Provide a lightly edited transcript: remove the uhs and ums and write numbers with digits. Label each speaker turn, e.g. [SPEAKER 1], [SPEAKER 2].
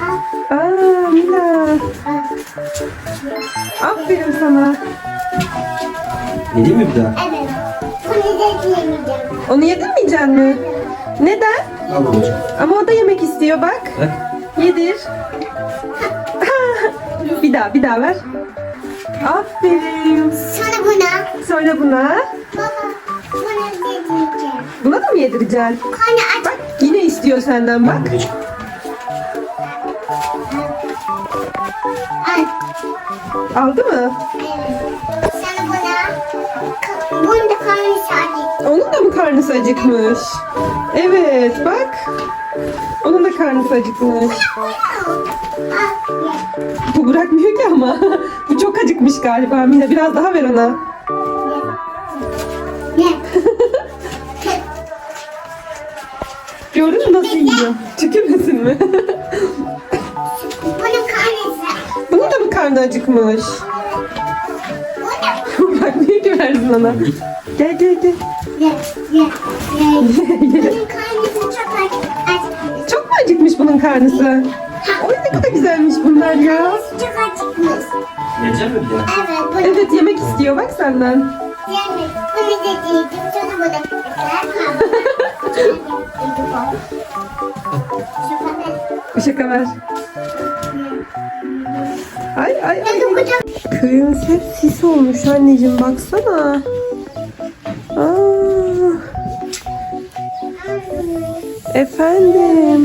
[SPEAKER 1] Aa, Mila. Aferin sana.
[SPEAKER 2] Yedin mi bir daha?
[SPEAKER 3] Evet. Bunu da yemeyeceğim.
[SPEAKER 1] Onu yedirmeyecek mi? Neden?
[SPEAKER 2] Al babacığım.
[SPEAKER 1] Ama o da yemek istiyor bak.
[SPEAKER 2] Bak.
[SPEAKER 1] Yedir. Bir daha ver. Aferin.
[SPEAKER 3] Sonra buna.
[SPEAKER 1] Sonra buna.
[SPEAKER 3] Baba. Bunu da yiyeceğim.
[SPEAKER 1] Buna da mı yedireceksin?
[SPEAKER 3] Karnı aç.
[SPEAKER 1] Bak yine istiyor senden
[SPEAKER 2] Al
[SPEAKER 1] bak.
[SPEAKER 2] babacığım.
[SPEAKER 3] Al.
[SPEAKER 1] Aldı mı?
[SPEAKER 3] Evet. Sonra buna. Bunu da karnı sadece.
[SPEAKER 1] Onun da mı karnısı acıkmış? Evet bak. Onun da karnısı acıkmış.
[SPEAKER 3] Al. Ye.
[SPEAKER 1] Bu bırakmıyor ki ama. Bu çok acıkmış galiba Mila. Biraz daha ver ona.
[SPEAKER 3] Ye.
[SPEAKER 1] Gördün mü nasıl yiyor? Tükürmesin mi?
[SPEAKER 3] Bunun karnısı.
[SPEAKER 1] Bunun da mı karnı acıkmış?
[SPEAKER 3] Bu da.
[SPEAKER 1] Bırakmıyor ki versin ona. Gel gel gel.
[SPEAKER 3] Ye. Ye. Ye. Bunun karnısı çok aç.
[SPEAKER 1] Çok mu acıkmış bunun karnısı? Oy ne kadar güzelmiş bunlar ya.
[SPEAKER 3] Çok acıkmış.
[SPEAKER 2] Yiyecek mi bir daha?
[SPEAKER 3] Evet. Bunu
[SPEAKER 1] Evet yemek istiyor bak senden.
[SPEAKER 3] yemek. Bunu da yiyeceğim. Sonra bunu da.
[SPEAKER 1] Şaka ver. Ay ay ay. Köyümüz hep sis olmuş anneciğim baksana. Aa, efendim.